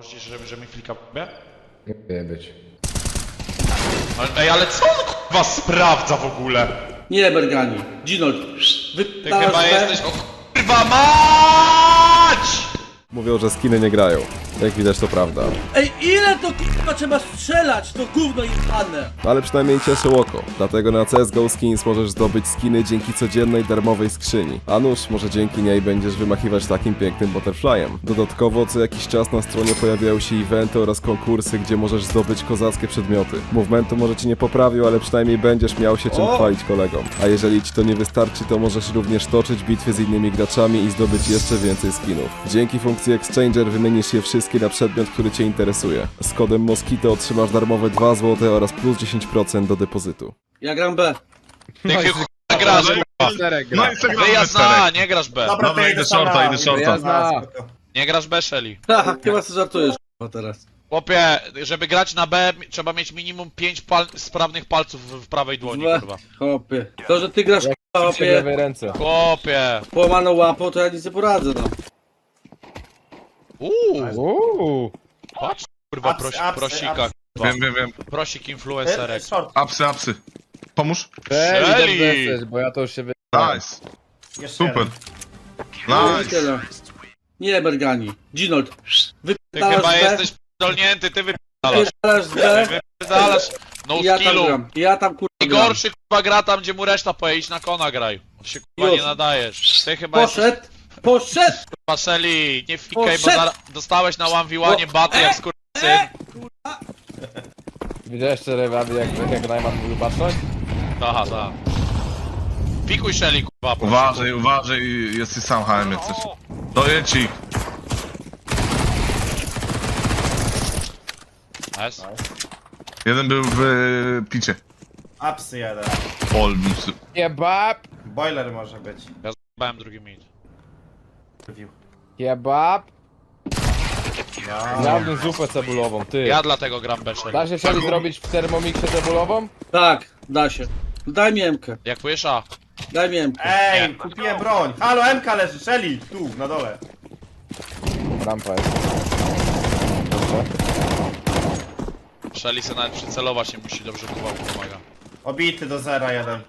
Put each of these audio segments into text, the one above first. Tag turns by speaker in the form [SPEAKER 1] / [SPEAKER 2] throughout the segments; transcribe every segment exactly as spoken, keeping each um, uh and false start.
[SPEAKER 1] Możesz, że, że mi flika b?
[SPEAKER 2] Nie powinien być.
[SPEAKER 1] Ale, ej, ale co on k***wa sprawdza w ogóle?
[SPEAKER 3] Nie, Bergani. Ginold.
[SPEAKER 1] Ty
[SPEAKER 3] Wypalasz
[SPEAKER 1] chyba
[SPEAKER 3] B.
[SPEAKER 1] jesteś... O k***wa mać!
[SPEAKER 4] Mówią, że skiny nie grają. Jak widać to prawda.
[SPEAKER 3] Ej, ile to k***a trzeba strzelać? To gówno jebane.
[SPEAKER 4] Ale przynajmniej cieszy oko. Dlatego na C S G O Skins możesz zdobyć skiny dzięki codziennej darmowej skrzyni. A nuż, może dzięki niej będziesz wymachiwać takim pięknym butterflyem. Dodatkowo co jakiś czas na stronie pojawiają się eventy oraz konkursy, gdzie możesz zdobyć kozackie przedmioty. Movementu może ci nie poprawił, ale przynajmniej będziesz miał się czym
[SPEAKER 3] O!
[SPEAKER 4] chwalić kolegom. A jeżeli ci to nie wystarczy, to możesz również toczyć bitwy z innymi graczami i zdobyć jeszcze więcej skinów. Dzięki funkcji Exchanger wymienisz je wszystkie na przedmiot, który cię interesuje. Z kodem Moskito otrzymasz darmowe dwa złote oraz plus dziesięć procent do depozytu.
[SPEAKER 3] Ja gram B.
[SPEAKER 1] Ty k***a grasz, k***a.
[SPEAKER 5] No i co gramy
[SPEAKER 1] Wyjazd na A, nie grasz B.
[SPEAKER 5] Dobra, Dobra idę shorta, idę shorta.
[SPEAKER 2] Jazda.
[SPEAKER 1] Nie grasz B, Shelly.
[SPEAKER 3] Haha, chyba sobie żartujesz k***a teraz.
[SPEAKER 1] Chłopie, żeby grać na B, trzeba mieć minimum pięć pal sprawnych palców w w prawej dłoni,
[SPEAKER 3] Dwa.
[SPEAKER 1] kurwa.
[SPEAKER 3] Chłopie. To, że ty grasz k***a,
[SPEAKER 2] W
[SPEAKER 3] chłopie,
[SPEAKER 2] lewej ręce.
[SPEAKER 1] Chłopie.
[SPEAKER 3] połamaną łapą, to ja nic nie poradzę, no.
[SPEAKER 1] Uuu,
[SPEAKER 2] Uuu.
[SPEAKER 1] patrz, kurwa,
[SPEAKER 6] Apsy,
[SPEAKER 1] prosi,
[SPEAKER 6] apsy,
[SPEAKER 1] prosika,
[SPEAKER 6] apsy.
[SPEAKER 1] kurwa.
[SPEAKER 5] Wiem, wiem, wiem.
[SPEAKER 1] Prosik
[SPEAKER 6] E,
[SPEAKER 1] influencerek.
[SPEAKER 6] short,
[SPEAKER 5] Apsy, apsy. Pomóż.
[SPEAKER 2] Shelly,
[SPEAKER 1] Shelly.
[SPEAKER 2] dobrze jesteś, bo ja to już się wy...
[SPEAKER 5] Nice.
[SPEAKER 6] jeszcze
[SPEAKER 5] Super.
[SPEAKER 6] jeden.
[SPEAKER 3] No i
[SPEAKER 5] Nice.
[SPEAKER 3] tyle. Nie, Bergani. Ginold.
[SPEAKER 1] Ty
[SPEAKER 3] Wypalasz
[SPEAKER 1] chyba
[SPEAKER 3] B.
[SPEAKER 1] jesteś p***dolnięty, ty wyp***alasz.
[SPEAKER 3] Wypalasz B.
[SPEAKER 1] Wyp***alasz. No
[SPEAKER 3] Ja tam
[SPEAKER 1] skillu.
[SPEAKER 3] gram. Ja tam kurwa gram.
[SPEAKER 1] Najgorszy kurwa gra tam, gdzie mu reszta poje, idź na kona graj. On się kurwa
[SPEAKER 3] Już.
[SPEAKER 1] nie nadajesz. Ty chyba jesteś
[SPEAKER 3] Poszedł. Poszedł.
[SPEAKER 1] kurwa Shelly, nie fikaj, bo
[SPEAKER 3] Poszedł.
[SPEAKER 1] zara- dostałeś na one v one baty jak skurczysyn.
[SPEAKER 2] Widziałeś jeszcze rewaby, jak, jak Najman mówił patrzeć?
[SPEAKER 1] Aha, tak. Pikuj Shelly kurwa. proszę.
[SPEAKER 5] Uważaj, uważaj, jesteś sam H M jak chcesz. Doję ci.
[SPEAKER 1] Nice.
[SPEAKER 5] Jeden był w e, picie.
[SPEAKER 6] Apsy jeden.
[SPEAKER 5] Olbusy.
[SPEAKER 2] Kebab!
[SPEAKER 6] Boiler może być.
[SPEAKER 1] Ja z***ałem drugi mid.
[SPEAKER 6] Review.
[SPEAKER 2] Kebab!
[SPEAKER 6] Ja.
[SPEAKER 2] Zjadłem zupę cebulową, ty.
[SPEAKER 1] Ja dlatego gram B Shelly.
[SPEAKER 2] Da się Shelly zrobić w termomiksie cebulową?
[SPEAKER 3] Tak, da się. Daj mi Emkę.
[SPEAKER 1] Jak płysza.
[SPEAKER 3] Daj mi Emkę.
[SPEAKER 6] Ej,
[SPEAKER 1] Nie.
[SPEAKER 6] kupiłem broń. Halo, M K leży, Shelly, tu, na dole.
[SPEAKER 2] Rampa jest. Dobrze.
[SPEAKER 1] Shelly se nawet przycelować nie musi, dobrze kurwa pomaga.
[SPEAKER 6] Obity do zera jeden.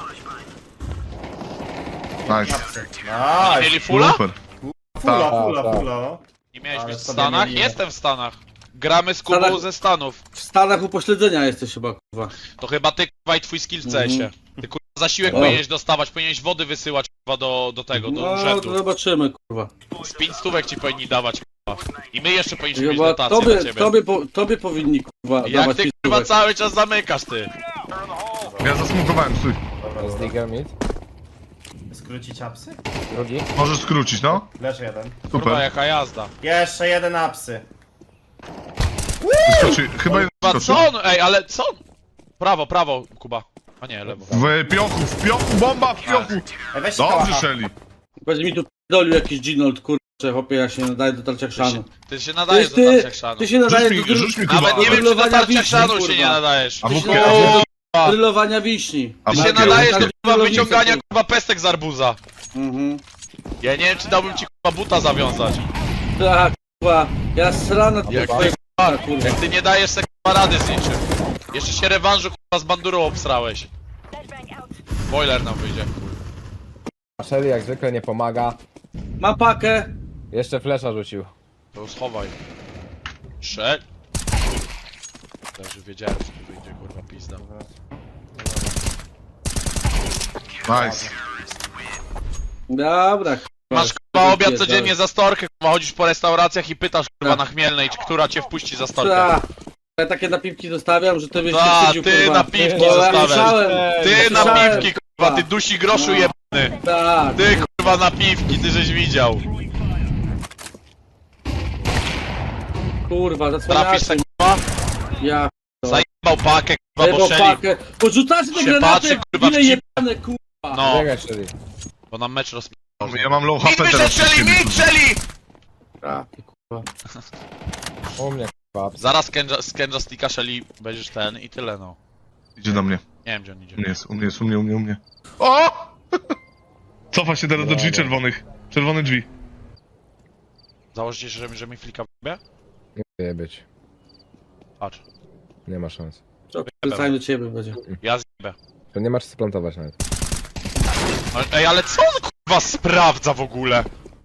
[SPEAKER 5] Nice.
[SPEAKER 6] Apsy.
[SPEAKER 1] Nie
[SPEAKER 6] Nice.
[SPEAKER 1] mieli fulla?
[SPEAKER 5] Super.
[SPEAKER 6] Fula,
[SPEAKER 2] Tak,
[SPEAKER 6] fula,
[SPEAKER 2] tak.
[SPEAKER 6] fula, no.
[SPEAKER 1] Nie miałeś
[SPEAKER 6] Ale
[SPEAKER 1] być w
[SPEAKER 6] sobie
[SPEAKER 1] Stanach?
[SPEAKER 6] mieli-
[SPEAKER 1] Jestem w Stanach. Gramy z Kubą
[SPEAKER 3] Stanach-
[SPEAKER 1] ze Stanów.
[SPEAKER 3] W Stanach upośledzenia jesteś chyba, kurwa.
[SPEAKER 1] To chyba ty kurwa i twój skill w C S-ie. Ty kurwa zasiłek
[SPEAKER 3] O.
[SPEAKER 1] powinieneś dostawać, powinieneś wody wysyłać kurwa do, do tego, do
[SPEAKER 3] No,
[SPEAKER 1] urzędu.
[SPEAKER 3] to zobaczymy, kurwa.
[SPEAKER 1] Z pięć stówek ci powinni dawać kurwa. I my jeszcze powinniśmy mieć
[SPEAKER 3] Chyba
[SPEAKER 1] dotację dla
[SPEAKER 3] tobie,
[SPEAKER 1] ciebie.
[SPEAKER 3] tobie, po, tobie powinni, kurwa,
[SPEAKER 1] Jak
[SPEAKER 3] dawać
[SPEAKER 1] ty
[SPEAKER 3] pięć
[SPEAKER 1] kurwa
[SPEAKER 3] stówek.
[SPEAKER 1] cały czas zamykasz ty.
[SPEAKER 5] Ja zasmukowałem, stój.
[SPEAKER 6] Dobra,
[SPEAKER 2] Jest
[SPEAKER 6] dobra.
[SPEAKER 2] digger mid.
[SPEAKER 6] Skrócić apsy?
[SPEAKER 2] Drugi.
[SPEAKER 5] Możesz skrócić, no.
[SPEAKER 6] Leży jeden.
[SPEAKER 1] Kurwa
[SPEAKER 5] Super.
[SPEAKER 1] jaka jazda.
[SPEAKER 6] Jeszcze jeden apsy.
[SPEAKER 5] Wyskoczy. Chyba jeden
[SPEAKER 1] Kurwa
[SPEAKER 5] skoczył.
[SPEAKER 1] co on? Ej, ale co on? Prawo, prawo Kuba. A nie, lewo.
[SPEAKER 5] W piochu, w piochu, bomba w piochu.
[SPEAKER 6] Ej, weź
[SPEAKER 5] Dobrze,
[SPEAKER 6] kałacha.
[SPEAKER 5] Shelly.
[SPEAKER 3] Będzie mi tu p***dolił jakiś Ginold, kurczę, chłopie, ja się nadaję do tarcia
[SPEAKER 1] Ty
[SPEAKER 3] chrzanu.
[SPEAKER 1] się, ty się nadajesz do
[SPEAKER 3] Ty,
[SPEAKER 1] tarcia
[SPEAKER 3] ty,
[SPEAKER 1] chrzanu.
[SPEAKER 3] ty się
[SPEAKER 5] Rzuć
[SPEAKER 3] nadajesz
[SPEAKER 5] mi,
[SPEAKER 3] do, dryl,
[SPEAKER 5] rzuć mi chyba.
[SPEAKER 1] Nawet nie wiem czy do
[SPEAKER 3] Drylowania
[SPEAKER 1] tarcia
[SPEAKER 3] wiśni,
[SPEAKER 1] chrzanu się
[SPEAKER 3] kurwa.
[SPEAKER 1] nie nadajesz.
[SPEAKER 5] A
[SPEAKER 3] ty
[SPEAKER 5] w
[SPEAKER 3] się
[SPEAKER 5] ogóle-
[SPEAKER 3] nadajesz
[SPEAKER 1] Kurwa.
[SPEAKER 3] do drylowania wiśni.
[SPEAKER 5] A
[SPEAKER 1] Ty
[SPEAKER 5] w
[SPEAKER 1] się
[SPEAKER 5] ogóle-
[SPEAKER 1] nadajesz do kurwa
[SPEAKER 3] Drylowania
[SPEAKER 1] wyciągania
[SPEAKER 3] wiśni.
[SPEAKER 1] kurwa pestek z arbuza.
[SPEAKER 3] Mhm.
[SPEAKER 1] Ja nie wiem czy dałbym ci kurwa buta zawiązać.
[SPEAKER 3] Tak, kurwa, ja srana
[SPEAKER 1] Jak
[SPEAKER 3] kurwa,
[SPEAKER 1] ty,
[SPEAKER 3] kurwa.
[SPEAKER 1] jak ty nie dajesz sobie kurwa rady z niczym. Jeszcze się rewanżu kurwa z bandurą obsrałeś. Boiler nam wyjdzie.
[SPEAKER 2] A Shelly jak zwykle nie pomaga.
[SPEAKER 3] Mam pakę.
[SPEAKER 2] Jeszcze flesza rzucił.
[SPEAKER 1] To schowaj. Szedł. Także wiedziałem że tu wyjdzie kurwa pizda.
[SPEAKER 5] Nice.
[SPEAKER 3] Dobra, kurwa.
[SPEAKER 1] Masz kurwa obiad
[SPEAKER 3] Pierdolę.
[SPEAKER 1] codziennie za storkę, kurwa chodzisz po restauracjach i pytasz kurwa
[SPEAKER 3] Tak.
[SPEAKER 1] na Chmielnej, czy która cię wpuści za storkę.
[SPEAKER 3] Ta. Ja takie napiwki zostawiam, że ty byś się
[SPEAKER 1] Ta,
[SPEAKER 3] wstydził,
[SPEAKER 1] ty
[SPEAKER 3] kurwa.
[SPEAKER 1] napiwki
[SPEAKER 3] Bo ja
[SPEAKER 1] zostawiasz.
[SPEAKER 3] słyszałem,
[SPEAKER 1] Ty na
[SPEAKER 3] słyszałem,
[SPEAKER 1] piwki kurwa, ty dusi groszu
[SPEAKER 3] No.
[SPEAKER 1] jebany.
[SPEAKER 3] Tak.
[SPEAKER 1] Ty kurwa na piwki, ty żeś widział.
[SPEAKER 3] Kurwa,
[SPEAKER 1] Trafisz
[SPEAKER 3] zasłaniacie.
[SPEAKER 1] se kurwa,
[SPEAKER 3] Ja
[SPEAKER 1] zajebał pakę kurwa, bo
[SPEAKER 3] Jebał
[SPEAKER 1] Shelly,
[SPEAKER 3] pakę. Porzucacie te
[SPEAKER 1] się
[SPEAKER 3] granaty,
[SPEAKER 1] patrzy,
[SPEAKER 3] jak
[SPEAKER 1] kurwa, w
[SPEAKER 3] ile
[SPEAKER 1] cip.
[SPEAKER 3] jebane, kurwa.
[SPEAKER 1] no,
[SPEAKER 2] Czekaj Shelly.
[SPEAKER 1] bo nam mecz rozp***ał.
[SPEAKER 5] Ja mam low H
[SPEAKER 1] Mid
[SPEAKER 5] P
[SPEAKER 1] wyszedł
[SPEAKER 5] teraz.
[SPEAKER 1] Shelly, mid Shelly!
[SPEAKER 3] A, ty kurwa.
[SPEAKER 2] U mnie kebab.
[SPEAKER 1] Zaraz Kenja, z Kenja Sticka Shelly będziesz ten i tyle no.
[SPEAKER 5] Idzie do mnie.
[SPEAKER 1] Nie wiem gdzie on idzie.
[SPEAKER 5] U mnie jest, u mnie jest, u mnie, u mnie, u mnie. O! Cofa się teraz do drzwi
[SPEAKER 2] Dobra.
[SPEAKER 5] czerwonych. Czerwone drzwi.
[SPEAKER 1] Założycie, że, że mi flika w b?
[SPEAKER 2] Nie być.
[SPEAKER 1] Patrz.
[SPEAKER 2] Nie ma szans.
[SPEAKER 3] Wracaj do ciebie będzie.
[SPEAKER 1] Ja zjebę.
[SPEAKER 2] To nie masz co plantować nawet.
[SPEAKER 1] Ale- Ej, ale co on kurwa sprawdza w ogóle?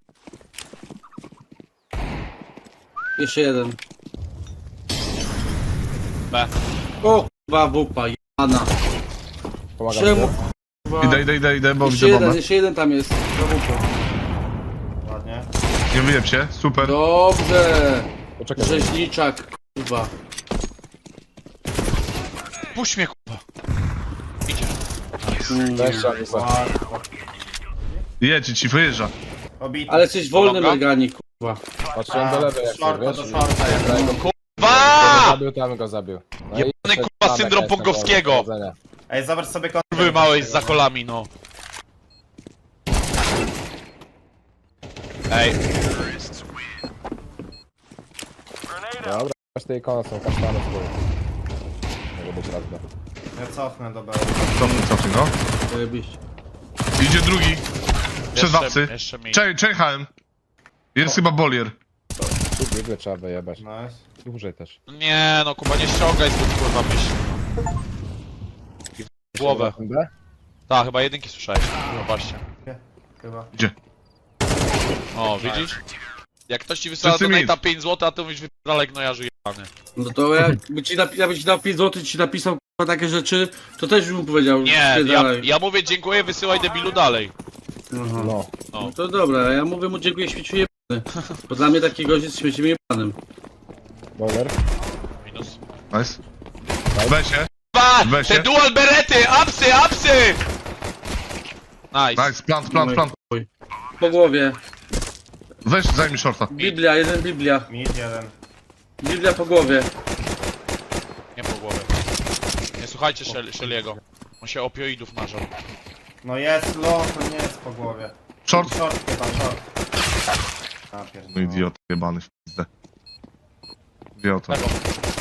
[SPEAKER 3] Jeszcze jeden.
[SPEAKER 1] B.
[SPEAKER 3] O kurwa wupa, jana.
[SPEAKER 2] Pomagam
[SPEAKER 3] Czemu?
[SPEAKER 2] ci.
[SPEAKER 3] Kurwa.
[SPEAKER 5] Idę, idę, idę, idę, bo
[SPEAKER 3] Jeszcze
[SPEAKER 5] widzę
[SPEAKER 3] jeden,
[SPEAKER 5] bombę.
[SPEAKER 3] jeszcze jeden tam jest. Za wupą.
[SPEAKER 6] Ładnie.
[SPEAKER 5] Nie wyjeb się, super.
[SPEAKER 3] Dobrze.
[SPEAKER 2] Poczekaj.
[SPEAKER 3] Rzeźniczak, kurwa.
[SPEAKER 1] Puść mnie kurwa. Idzie.
[SPEAKER 2] Weź trzeba wysłać.
[SPEAKER 6] Łatwo.
[SPEAKER 5] Jedź, ci wyjeżdża.
[SPEAKER 6] Obity.
[SPEAKER 3] Ale jesteś wolny,
[SPEAKER 1] Longa?
[SPEAKER 3] Mergani, kurwa.
[SPEAKER 2] Patrzyłem do lewej jak
[SPEAKER 6] Shorta,
[SPEAKER 2] wiesz.
[SPEAKER 6] do shorta jest.
[SPEAKER 2] Go
[SPEAKER 1] Kurwa!
[SPEAKER 2] zabił, tam go zabił. No i
[SPEAKER 1] Jebany,
[SPEAKER 2] jeszcze
[SPEAKER 1] kurwa,
[SPEAKER 2] Tomek
[SPEAKER 1] syndrom
[SPEAKER 2] jest na
[SPEAKER 1] Pongowskiego.
[SPEAKER 2] dole, powodzenia.
[SPEAKER 6] Ej, zobacz sobie konto.
[SPEAKER 1] Kurwy małeś za kolami, no. Ej,
[SPEAKER 2] Dobra, aż te ikony są kasztany w górę. Może być raz B.
[SPEAKER 6] Ja cofnę do B.
[SPEAKER 5] Cofnij, cofnij, no.
[SPEAKER 3] Zajebiście.
[SPEAKER 5] Idzie drugi. Przed
[SPEAKER 1] jeszcze,
[SPEAKER 5] wapsy.
[SPEAKER 1] jeszcze mi.
[SPEAKER 5] Czekaj, czekałem. Jest chyba bolier.
[SPEAKER 2] Tu bigle trzeba wyjebać.
[SPEAKER 6] Nice.
[SPEAKER 2] Dłużej też.
[SPEAKER 1] Nie no, Kuba, nie ściągaj zbyt kurwa myśli. I w głowę.
[SPEAKER 2] B?
[SPEAKER 1] Tak, chyba jedynki słyszałeś. Zobaczcie.
[SPEAKER 6] Chyba.
[SPEAKER 5] Gdzie?
[SPEAKER 1] O, widzisz? Jak ktoś ci wysłał
[SPEAKER 5] Wszyscy
[SPEAKER 1] do
[SPEAKER 5] mid.
[SPEAKER 1] Nate'a pięć złotych, a ty mówisz wypierdalaj gnojarzu jebany.
[SPEAKER 3] No to jakby ci, napi- jakby ci dał pięć złotych, ci napisał kurwa takie rzeczy, to też bym mu powiedział.
[SPEAKER 1] Nie, ja,
[SPEAKER 3] spierdalaj.
[SPEAKER 1] ja mówię dziękuję, wysyłaj debilu dalej.
[SPEAKER 3] Aha.
[SPEAKER 2] No.
[SPEAKER 1] No.
[SPEAKER 3] No to dobra, a ja mówię mu dziękuję śmieciu jebany. Bo dla mnie taki gość jest śmieciem jebanym.
[SPEAKER 2] Boiler.
[SPEAKER 1] Minus.
[SPEAKER 5] Nice. Weź się.
[SPEAKER 1] Ba!
[SPEAKER 5] Weź
[SPEAKER 1] Te
[SPEAKER 5] się.
[SPEAKER 1] dual berety! Apsy, apsy! Nice.
[SPEAKER 5] Nice, plant, plant, plant.
[SPEAKER 3] Po głowie.
[SPEAKER 5] Weź, zajmij shorta.
[SPEAKER 3] Biblia, jeden Biblia.
[SPEAKER 6] Mid jeden.
[SPEAKER 3] Biblia po głowie.
[SPEAKER 1] Nie po głowie. Nie słuchajcie Shel- Shelly'ego. On się opioidów nażał.
[SPEAKER 6] No jest low, to nie jest po głowie.
[SPEAKER 5] Short.
[SPEAKER 6] Short chyba, short. A,
[SPEAKER 5] No
[SPEAKER 6] pierdolę.
[SPEAKER 5] idiot, jebany w pizdę. Idiota.
[SPEAKER 1] Tego.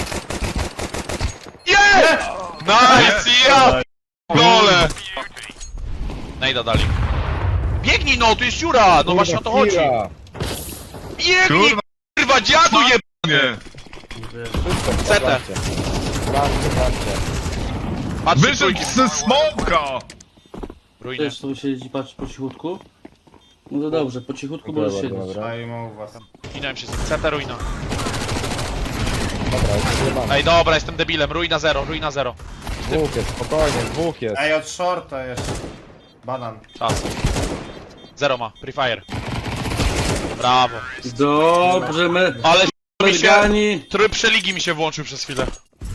[SPEAKER 1] Yeah! Nice! Ja! Gole! Nejda dali. Biegnij no, tu jest dziura! No właśnie o to chodzi.
[SPEAKER 2] Kira.
[SPEAKER 1] Biegnij!
[SPEAKER 5] Kurwa,
[SPEAKER 1] Kurwa, dziadu je...
[SPEAKER 5] nie.
[SPEAKER 1] C T.
[SPEAKER 2] Zobaczcie. Zobaczcie, zobaczcie.
[SPEAKER 1] Patrzcie
[SPEAKER 5] Wyszedł
[SPEAKER 1] trójki.
[SPEAKER 5] ze smoka!
[SPEAKER 1] Ruiny.
[SPEAKER 3] Też tu siedzi, patrz po cichutku. No to dobrze, po cichutku
[SPEAKER 2] Dobra,
[SPEAKER 3] możesz
[SPEAKER 2] dobra,
[SPEAKER 3] siedzieć.
[SPEAKER 2] dobra.
[SPEAKER 6] Daj mu u was.
[SPEAKER 1] Minąłem się z C T, ruina.
[SPEAKER 2] Dobra, jest zjebane.
[SPEAKER 1] Ej, dobra, jestem debilem. Ruina zero, ruina zero.
[SPEAKER 2] Dwóch jest, spokojnie, dwóch jest.
[SPEAKER 6] Ej, od shorta jeszcze. Banan.
[SPEAKER 1] Czas. Zero ma, prefire. Brawo.
[SPEAKER 3] Dobrze, me...
[SPEAKER 1] Ale mi się...
[SPEAKER 3] Mergani.
[SPEAKER 1] Tryb przeligi mi się włączył przez chwilę.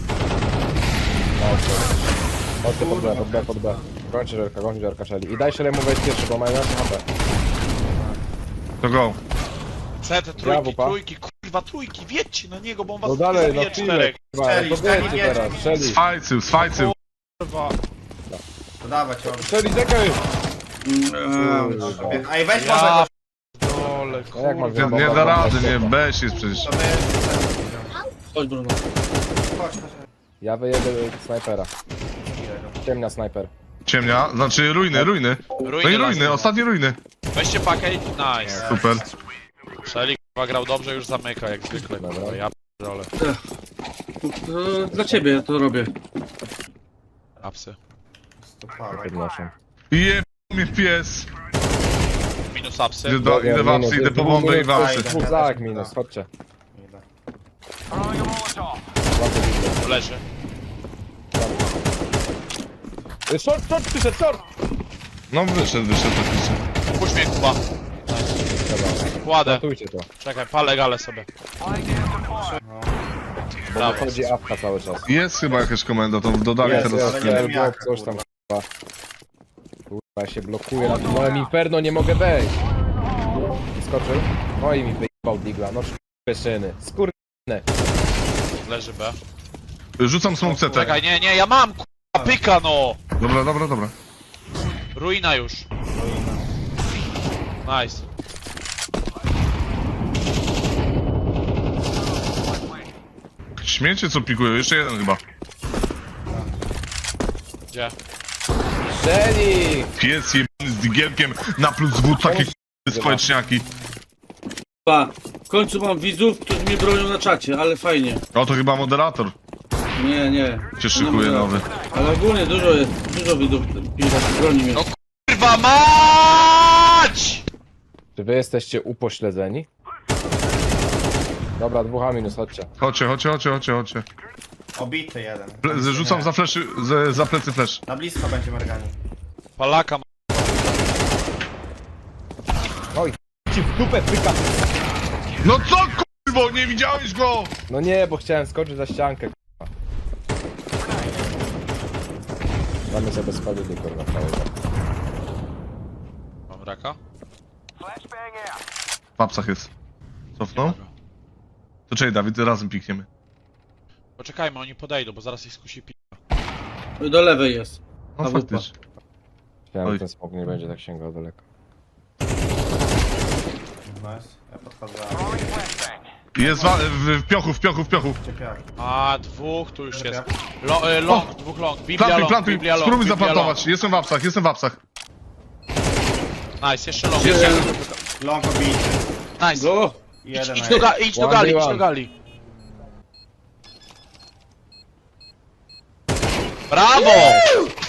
[SPEAKER 2] Chodźcie pod B, pod B, pod B. Kończy żerka, kończy żerka Shelly. I daj Shelly mu wejść pierwszy, bo mają nasze H P.
[SPEAKER 5] To go.
[SPEAKER 1] C T,
[SPEAKER 2] Brawo,
[SPEAKER 1] trójki,
[SPEAKER 2] pa.
[SPEAKER 1] trójki, kurwa, trójki, wiedźcie na niego, bo on was
[SPEAKER 2] No
[SPEAKER 1] nie
[SPEAKER 2] dalej, no
[SPEAKER 1] zabije
[SPEAKER 2] chwilę,
[SPEAKER 1] czterech.
[SPEAKER 2] kurwa,
[SPEAKER 6] Shelly,
[SPEAKER 2] to
[SPEAKER 6] Shelly,
[SPEAKER 2] wiecie
[SPEAKER 6] nie,
[SPEAKER 2] teraz,
[SPEAKER 6] nie.
[SPEAKER 2] Shelly.
[SPEAKER 5] Swajcył, swajcył.
[SPEAKER 1] Kurwa.
[SPEAKER 6] To dawać ją.
[SPEAKER 2] Shelly, czekaj!
[SPEAKER 3] Eee,
[SPEAKER 6] Ej, weź
[SPEAKER 1] Ja
[SPEAKER 6] może
[SPEAKER 1] dole,
[SPEAKER 2] No jak mam
[SPEAKER 1] kurwa.
[SPEAKER 5] Nie, nie da rady, nie, bez jest przecież.
[SPEAKER 6] go. To my...
[SPEAKER 3] Chodź Bruno.
[SPEAKER 6] Chodź, chodź.
[SPEAKER 2] Ja wyjedę snajpera. Ciemnia snajper.
[SPEAKER 5] Ciemnia, znaczy ruiny, ruiny. No i
[SPEAKER 1] Ruiny,
[SPEAKER 5] ruiny,
[SPEAKER 1] las.
[SPEAKER 5] ostatnie ruiny.
[SPEAKER 1] Weźcie pakę i nice.
[SPEAKER 5] Super.
[SPEAKER 1] Shelly kurwa grał dobrze, już zamyka jak zwykle.
[SPEAKER 2] Dobra.
[SPEAKER 1] Kurwa, ja dole.
[SPEAKER 3] To dla ciebie ja to robię.
[SPEAKER 1] Apsy.
[SPEAKER 6] Stopałem.
[SPEAKER 2] Podnoszę.
[SPEAKER 5] Jeb mnie pies.
[SPEAKER 1] Minus apsy.
[SPEAKER 5] Idę, do, idę w apsy, idę po bombę i w apsy.
[SPEAKER 2] Dwóch zak minus, chodźcie.
[SPEAKER 6] Idę.
[SPEAKER 1] Leży.
[SPEAKER 2] Y, Short, short, przyszedł, short!
[SPEAKER 5] No wyszedł, wyszedł oczywiście.
[SPEAKER 1] Puść mnie Kuba.
[SPEAKER 2] Dobra,
[SPEAKER 1] Kładę.
[SPEAKER 2] ratujcie to.
[SPEAKER 1] Czekaj, palę galę sobie.
[SPEAKER 2] Bo
[SPEAKER 1] Brawo.
[SPEAKER 2] wychodzi apka cały czas.
[SPEAKER 5] Jest chyba jakaś komenda, to dodali
[SPEAKER 2] Jest,
[SPEAKER 5] teraz
[SPEAKER 2] jest,
[SPEAKER 5] skin.
[SPEAKER 6] nie
[SPEAKER 2] jest,
[SPEAKER 6] wiem jak,
[SPEAKER 2] blok, coś tam,
[SPEAKER 6] kurwa.
[SPEAKER 2] kurwa. Kurwa, ja się blokuję na tym moim inferno, nie mogę wejść. Skoczył. No i mi wyjebał digla, no skurwysyny. Skurwysyny.
[SPEAKER 1] Leży B.
[SPEAKER 5] Rzucam smoke C T.
[SPEAKER 1] Czekaj, nie, nie, ja mam kurwa pyka no!
[SPEAKER 5] Dobra, dobra, dobra.
[SPEAKER 1] Ruina już. Nice.
[SPEAKER 5] Śmiecie co pikują, jeszcze jeden chyba.
[SPEAKER 1] Gdzie?
[SPEAKER 2] Shelly!
[SPEAKER 5] Pies jebany z digielkiem na plus W, takie k***y społeczniaki.
[SPEAKER 3] Pa, w końcu mam widzów, którzy mnie bronią na czacie, ale fajnie.
[SPEAKER 5] O, to chyba moderator
[SPEAKER 3] Nie, nie.
[SPEAKER 5] się
[SPEAKER 3] To
[SPEAKER 5] szykuje
[SPEAKER 3] nie
[SPEAKER 5] nowy.
[SPEAKER 3] Ale ogólnie dużo jest, dużo widzów, którzy broni mnie.
[SPEAKER 1] No kurwa mać!
[SPEAKER 2] Czy wy jesteście upośledzeni? Dobra, dwóch A minus, chodźcie.
[SPEAKER 5] Chodźcie, chodźcie, chodźcie, chodźcie, chodźcie.
[SPEAKER 6] Obity jeden.
[SPEAKER 5] Ple- Rzucam
[SPEAKER 6] Nie.
[SPEAKER 5] za fleszy, za, za plecy flash.
[SPEAKER 6] Na blisko będzie Mergani.
[SPEAKER 1] Palaka ma.
[SPEAKER 2] Oj, ci w dupę pyka!
[SPEAKER 5] No co kurwo, nie widziałeś go?
[SPEAKER 2] No nie, bo chciałem skoczyć za ściankę, kurwa. Damy sobie spalili, kurwa, całego.
[SPEAKER 1] Mam raka?
[SPEAKER 5] W apsach jest. Cofnął? To czekaj, Dawid, razem pikniemy.
[SPEAKER 1] Poczekajmy, oni podejdą, bo zaraz ich skusi pi...
[SPEAKER 3] Do lewej jest.
[SPEAKER 5] No
[SPEAKER 3] A wupa.
[SPEAKER 5] faktycznie.
[SPEAKER 2] Chciałem,
[SPEAKER 5] Oj.
[SPEAKER 2] że ten smok nie będzie tak sięgał daleko.
[SPEAKER 6] Nice. Ja podchodzę.
[SPEAKER 5] Jest wa- w, w piochu, w piochu, w piochu.
[SPEAKER 6] Ciepiak.
[SPEAKER 1] A, dwóch tu już jest. Lo, e, long, dwóch long. Biblia
[SPEAKER 5] Plantuj,
[SPEAKER 1] long,
[SPEAKER 5] plantuj,
[SPEAKER 1] Biblia long,
[SPEAKER 5] spróbuj
[SPEAKER 1] Biblia
[SPEAKER 5] zaplantować. Jestem w apsach, jestem w apsach.
[SPEAKER 1] long. Nice, jeszcze long.
[SPEAKER 3] Jeden.
[SPEAKER 6] Long obity.
[SPEAKER 1] Nice.
[SPEAKER 3] Go!
[SPEAKER 6] Jeden
[SPEAKER 1] Idź
[SPEAKER 6] na
[SPEAKER 1] do,
[SPEAKER 6] jeden.
[SPEAKER 1] ga idź do
[SPEAKER 2] One
[SPEAKER 1] gali,
[SPEAKER 2] by
[SPEAKER 1] idź do
[SPEAKER 2] one.
[SPEAKER 1] gali. Brawo!